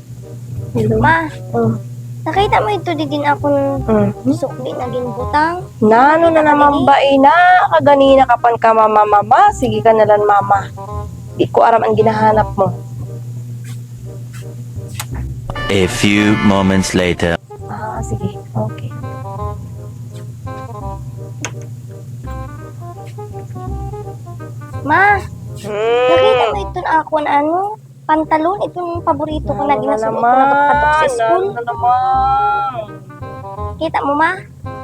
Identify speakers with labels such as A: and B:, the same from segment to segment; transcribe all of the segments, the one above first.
A: Hello?
B: Ma,
A: Oh.
B: nakita mo ito di din akong sukli na ginbutang.
A: Nano na naman ba ina? Kaganina ka pan ka mama. Sige ka na lang mama. Di ko aram ang ginahanap mo.
C: A few moments later.
A: Sige. Okay.
B: Ma, nakita mo ito na akong pantalon. Itong paborito ko na ginasuot ko na kapag sa school.
A: Na naman.
B: Kita mo, ma?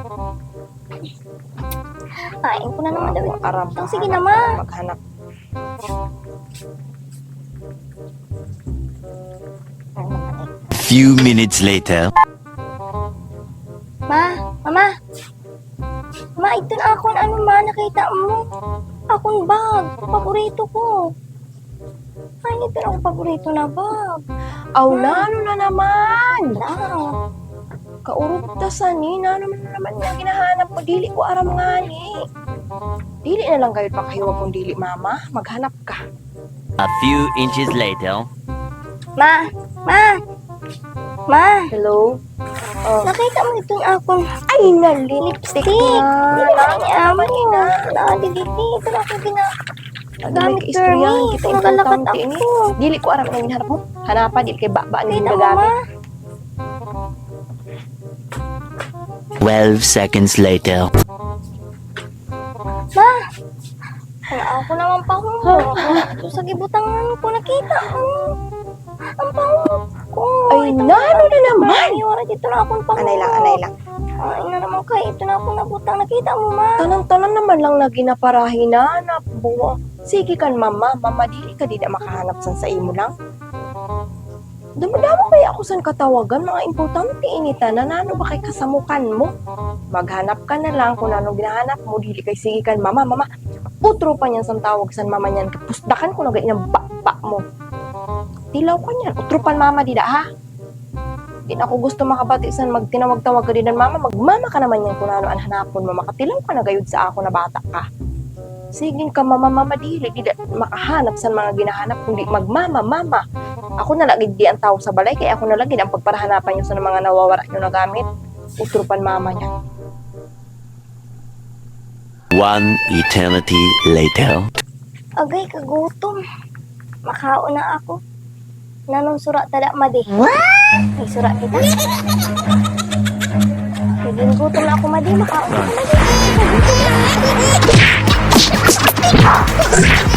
B: Kain ko na naman daw ito.
A: Aram.
B: Sige na, ma.
A: Maghanap.
C: Few minutes later.
B: Mama, ito na akong nakita mo. Akong bag, paborito ko. Ay, ito na akong paborito na bag.
A: Aw, nano na naman.
B: Na,
A: Kaurog ta sa ni. Nano na naman yung ginahanap mo. Dili ko aram nga ni. Dili na lang kayo pakahiwag kung dili mama. Maghanap ka.
C: A few inches later.
B: ma,
A: Hello? Oh.
B: nakita mo itong akong
A: Ay, lipstick na.
B: Hindi na niya mo. Nakadiliti. Ito na akong gamit
A: Istoryahan
B: Kermit.
A: kita
B: Ito nagalakat
A: importante ini.
B: ako.
A: Dili ko aram ang hinahanap mo. Hanapan, dili kay baba ang
B: Kita mo,
A: gagamit.
B: ma.
C: 12 seconds later.
B: Ma, wala ako naman pango. Ito sa gibutangan ko nakita. Ang pango ko.
A: Ay,
B: Ito
A: nano na naman.
B: Ay, wala dito na akong pango.
A: Anay lang.
B: Ay, na naman kayo. Ito na akong nabutang. Nakita mo, ma.
A: Tanan-tanan naman lang na ginaparahin na nabuo. Sige kan mama, dili ka di na makahanap san sa imo lang. Dumadamo kaya ako san katawagan, mga importante inita na nano ba kay kasamukan mo. Maghanap ka na lang kung anong ginahanap mo, dili kay sige kan mama. Utro pa niyan san tawag san mama niyan, kapusdakan ko na ganyan bapa mo. Tilaw ka niyan, utropan mama dida ha. Di na ako gusto makabati san magtinawag-tawag ka din mama, magmama ka naman yan kung ano ang hanapon mo, makatilaw ka na gayud sa ako na bata ka. Sige ka mama, dili makahanap sa mga ginahanap kundi magmama. Ako na lagi di ang tao sa balay kaya ako na lagi ang pagparahanapan nyo sa mga nawawala nyo na gamit. Utrupan mama niya.
C: One eternity later.
B: Agay, kagutom. Makaon na ako. Nanong sura tada madi. Ay, sura kita. Naging gutom na ako madi. Makaon na ako madi. Gutom na.